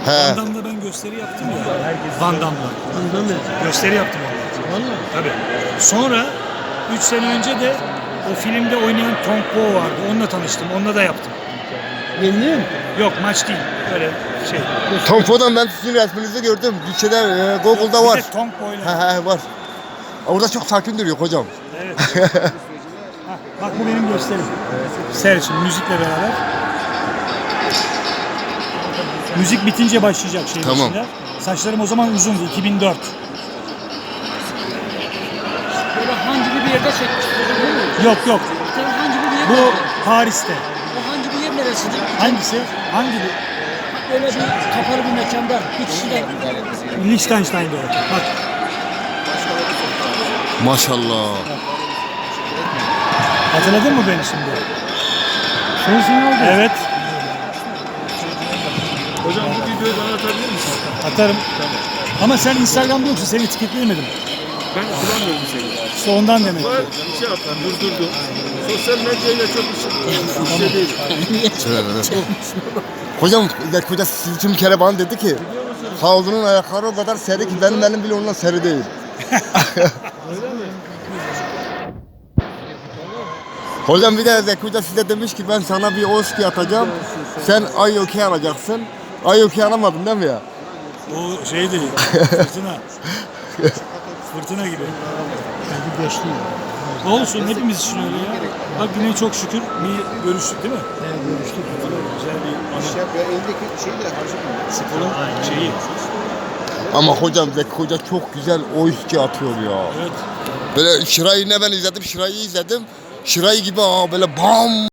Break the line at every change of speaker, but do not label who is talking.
He.
Van Damme'la ben gösteri yaptım ya. Van Damme'la. Gösteri yaptım onunla.
Vallahi.
Tabii. Sonra 3 sene önce de o filmde oynayan Tong Po vardı. Onunla tanıştım. Onunla da yaptım.
Yeniliyor mu?
Yok maç değil. Öyle şey.
Tom Fo'dan ben sizin resminizi gördüm. Bir şeyde Google'da
Bir
var.
de Tong Po'yla.
He var. Orada çok sakin duruyor hocam.
Evet. Hah, bak bu benim gösterim. Seyret şimdi müzikle beraber. Müzik bitince başlayacak şey
Tamam.
başında. Saçlarım o zaman uzundu. 2004.
Böyle hancı bir yerde çekmiştir hocam değil mi?
Yok yok.
Sen hancı bir yer
Bu Paris'te.
O hancı bir yer neresidir?
Hangisi? Hangi bu?
Öyle bir kapalı bir mekanda bir kişi de
Liechtenstein'da orada. Bak.
Maşallah.
Hatırladın mı beni şimdi?
sensin oldu.
Evet.
Hocam bu videoyu bana atabilir misin?
Atarım. Ama sen Instagram'da yoksun. Seni etiketleyemedim.
Ben kullanmıyorum seni.
İşte ondan demek ki.
Var bir şey yaptım, durdurdum. Sosyal medyayla çok bir şey değil.
Hocam Zeki Hoca siz için bir kere bana dedi ki havlunun ayakları o kadar seri ki benim elim bile ondan seri değil. Hocam bir de Zeki Hoca size demiş ki ben sana bir oski atacağım. Sen Ayyok'i alacaksın. Ayyok'i alamadın değil mi ya?
O şey değil. Fırtına. Fırtına gibi.
Bir geçti.
Olsun hepimiz için öyle ya. Bak yine çok şükür bir görüştük değil mi?
Evet görüştük.
Güzel bir anı.
Ya eldeki şeyi de harcamayın.
Sporun şeyi.
Ama hocam Zeki Hoca çok güzel oski atıyor ya.
Evet.
Böyle Şiray'ı ne ben izledim, Şiray'ı izledim. Şiray gibi böyle bam